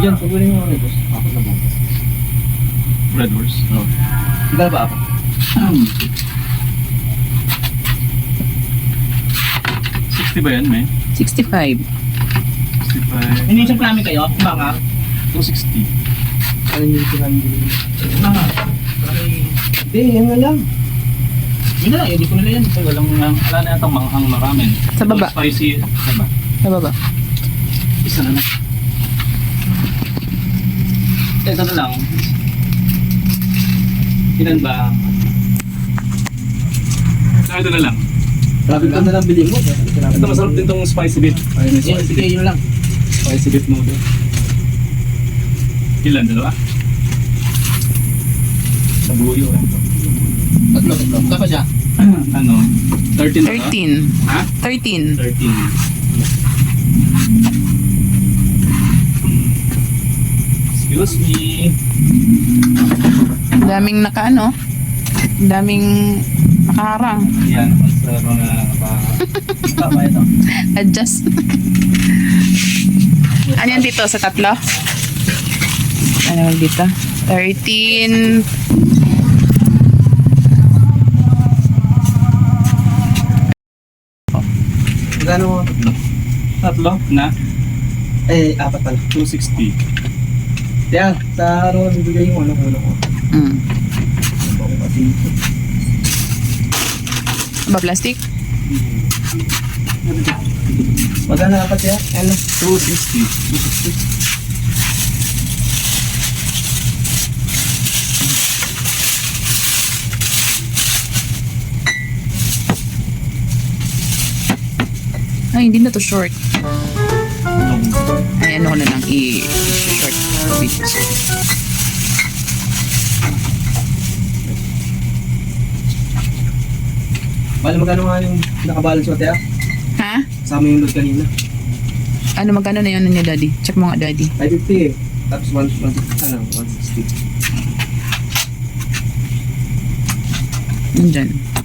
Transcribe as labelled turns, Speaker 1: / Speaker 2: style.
Speaker 1: Diyan, sabihin mo ano, boss. Ako na mo.
Speaker 2: Red Horse.
Speaker 1: Oo. Iba ba ako?
Speaker 2: 60 ba yan, may?
Speaker 3: 65.
Speaker 2: 65.
Speaker 4: Hindi siya plami kayo? Mga?
Speaker 2: 260.
Speaker 1: Ano yung pinamili?
Speaker 4: Mga?
Speaker 1: Hindi, yan na lang.
Speaker 4: Yun na lang, hindi ko nila yan.
Speaker 2: Kasi walang, wala na yatang manghang maraming.
Speaker 3: Sa baba.
Speaker 2: Spicy. Diba?
Speaker 3: Sa baba.
Speaker 2: Isa na na. Ito na lang. Ilan ba? Ito na lang.
Speaker 1: Sabi ko na lang bilhin mo.
Speaker 2: Ito masarap din tong spicy beef. Ayun,
Speaker 4: Sige, sige, yun lang.
Speaker 2: spicy beef noodle. Ilan? Dalawa? Sa buyo.
Speaker 4: Tatlo. Tapos siya.
Speaker 2: Ano? 13 na ba?
Speaker 3: 13.
Speaker 2: Ha?
Speaker 3: 13.
Speaker 2: 13. Excuse me.
Speaker 3: Daming nakaano. Daming nakaharang.
Speaker 2: Yan. Sa mga
Speaker 4: Tama ito.
Speaker 3: Adjust. Ano yan dito sa tatlo? Ano naman dito? 13.
Speaker 1: Magkano mo?
Speaker 2: tatlo na
Speaker 1: Eh, apat pala.
Speaker 2: 260.
Speaker 1: Kaya, sa araw, bibigay yung ano ko.
Speaker 3: Mm.
Speaker 1: Ako kasi.
Speaker 3: Ba plastic?
Speaker 1: Magkano apat yan? Ano?
Speaker 2: 260.
Speaker 3: Ay, hindi na to short. Ay, ano ko na lang i-short video.
Speaker 1: Bale, magkano nga yung nakabalance mo, Tia?
Speaker 3: Ha?
Speaker 1: Kasama yung load kanina.
Speaker 3: Ano, magkano na yun niya, daddy? Check mo nga, daddy.
Speaker 1: 550 eh. Tapos 160.
Speaker 3: Nandyan.